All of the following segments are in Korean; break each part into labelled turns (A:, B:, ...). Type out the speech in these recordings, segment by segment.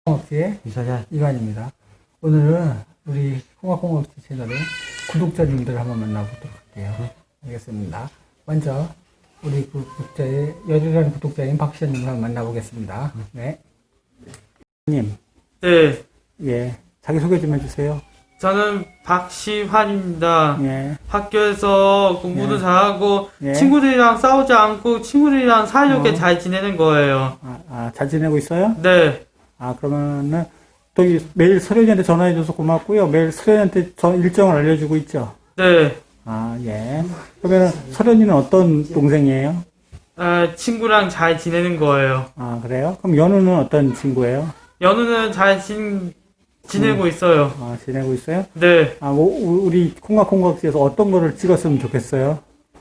A: 콩학지의 이관입니다. 오늘은 우리 콩학지 채널의 구독자님들 한번 만나보도록 할게요. 알겠습니다. 먼저 우리 구독자의 열혈한 구독자인 박시현님을 한번 만나보겠습니다. 네. 님.
B: 네.
A: 예. 자기소개 좀 해주세요.
B: 저는 박시환입니다.
A: 예.
B: 학교에서 공부도
A: 예.
B: 잘하고
A: 예.
B: 친구들이랑 싸우지 않고 친구들이랑 사이좋게 잘 지내는 거예요.
A: 잘 지내고 있어요?
B: 네.
A: 그러면은 또 매일 서련이한테 전화해줘서 고맙고요. 매일 서련이한테 일정을 알려주고 있죠?
B: 네.
A: 예. 그러면은 서련이는 어떤 동생이에요?
B: 친구랑 잘 지내는 거예요.
A: 그래요? 그럼 연우는 어떤 친구예요?
B: 연우는 잘 지내고 있어요.
A: 지내고 있어요?
B: 네.
A: 우리 콩각에서 어떤 거를 찍었으면 좋겠어요?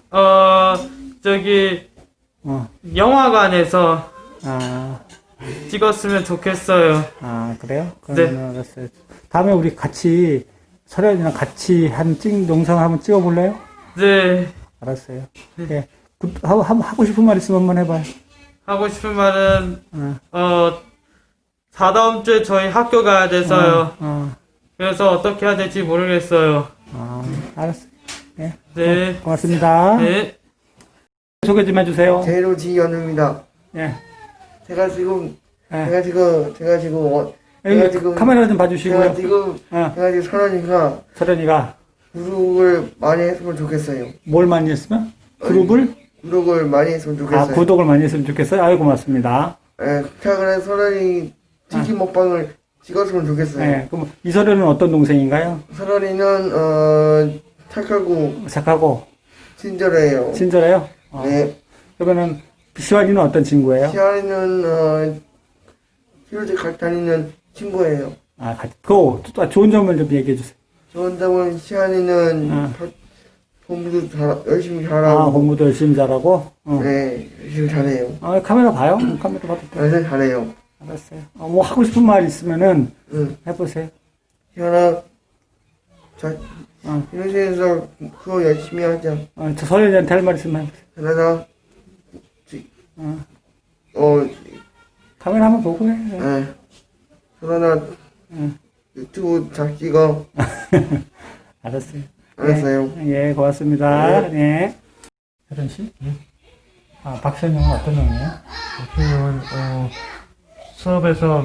B: 영화관에서 찍었으면 좋겠어요.
A: 그래요? 그러면 알았어요. 다음에 우리 같이, 서련이랑 같이 영상을 한번 찍어볼래요?
B: 네.
A: 알았어요. 네. 하고 싶은 말 있으면 한번 해봐요.
B: 하고 싶은 말은, 다다음 주에 저희 학교 가야 돼서요. 그래서 어떻게 해야 될지 모르겠어요.
A: 알았어요. 네.
B: 네.
A: 고맙습니다.
B: 네.
A: 소개 좀 해주세요.
C: 제로지 연우입니다.
A: 예.
C: 제가 지금
A: 카메라 좀 봐주시고요.
C: 제가 지금
A: 서련이가
C: 구독을 많이 했으면 좋겠어요.
A: 뭘 많이 했으면? 구독을
C: 많이 했으면 좋겠어요.
A: 구독을 많이 했으면 좋겠어요. 아유, 고맙습니다.
C: 예, 그래서 서련이 치킨 먹방을 찍었으면 좋겠어요.
A: 네. 그럼 이서련은 어떤 동생인가요?
C: 서련이는 착하고 친절해요.
A: 친절해요?
C: 네.
A: 그러면은 시환이는 어떤 친구예요?
C: 시아이는 휴일에 같이 다니는 친구예요.
A: 좋은 점을 좀 얘기해 주세요.
C: 좋은 점은 시아이는 공부도 열심히 잘하고.
A: 공부도 열심히 잘하고?
C: 네, 열심히 잘해요.
A: 카메라 봐요? 카메라 봐도 돼요?
C: 네, 잘해요.
A: 알았어요. 뭐 하고 싶은 말 있으면은 해보세요.
C: 시아나, 인생에서 그거 열심히 하자.
A: 저 서련이한테 할 말 있으면 해보세요. 카메라 한번 보고 해.
C: 네. 그러나 유튜브 잘 찍어.
A: 알았어요.
C: 알았어요.
A: 예, 고맙습니다. 네. 혜련 씨? 박시현 형은 어떤 형이에요?
D: 박시현은 수업에서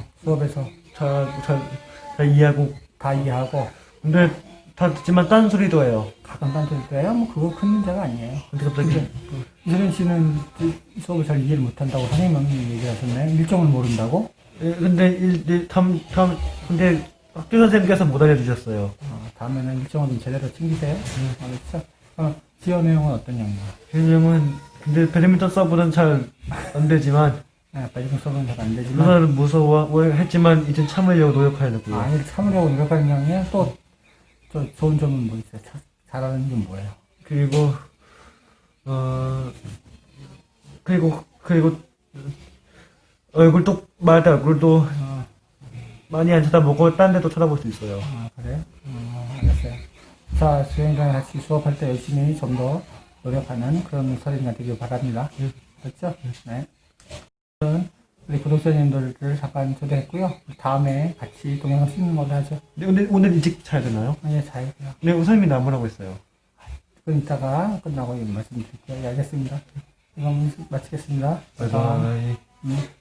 D: 잘 이해하고
A: 다 이해하고.
D: 근데 다 듣지만 딴소리도 해요.
A: 가끔 딴소리도 해요? 뭐 그거 큰 문제가 아니에요.
D: 근데 갑자기
A: 이서련 씨는 수업을 잘 이해를 못한다고 선생님은 얘기하셨나요? 일정을 모른다고?
D: 근데 근데 학교 선생님께서 못 알려주셨어요.
A: 다음에는 일정을 좀 제대로 챙기세요. 알겠죠? 지연의 형은 어떤 형이에요?
D: 지현 형은 근데 배드민턴 서브는 잘 안 되지만
A: 배드민턴 서브는 잘 안 되지만
D: 그날은 무서워했지만 이제 참으려고 노력하려고요.
A: 이렇게 참으려고 노력하는 형이에요? 또 좋은 점은 뭐 있어요? 잘하는 게 뭐예요?
D: 그리고 말할 때 얼굴도 많이 안 쳐다보고 딴 데도 쳐다볼 수 있어요.
A: 그래요? 알겠어요. 자, 수행과 같이 수업할 때 열심히 좀 더 노력하는 그런 서련이가 되길 바랍니다. 그렇죠? 네. 우리 구독자님들을 잠깐 초대했고요. 다음에 같이 동영상 찍는 걸로 하죠.
D: 근데 오늘 일찍 자야 되나요?
A: 예, 잘.
D: 네, 우선님이 나무라고 했어요.
A: 그럼 이따가 끝나고 말씀드릴게요. 예, 알겠습니다. 이건 마치겠습니다.
D: 바이바이.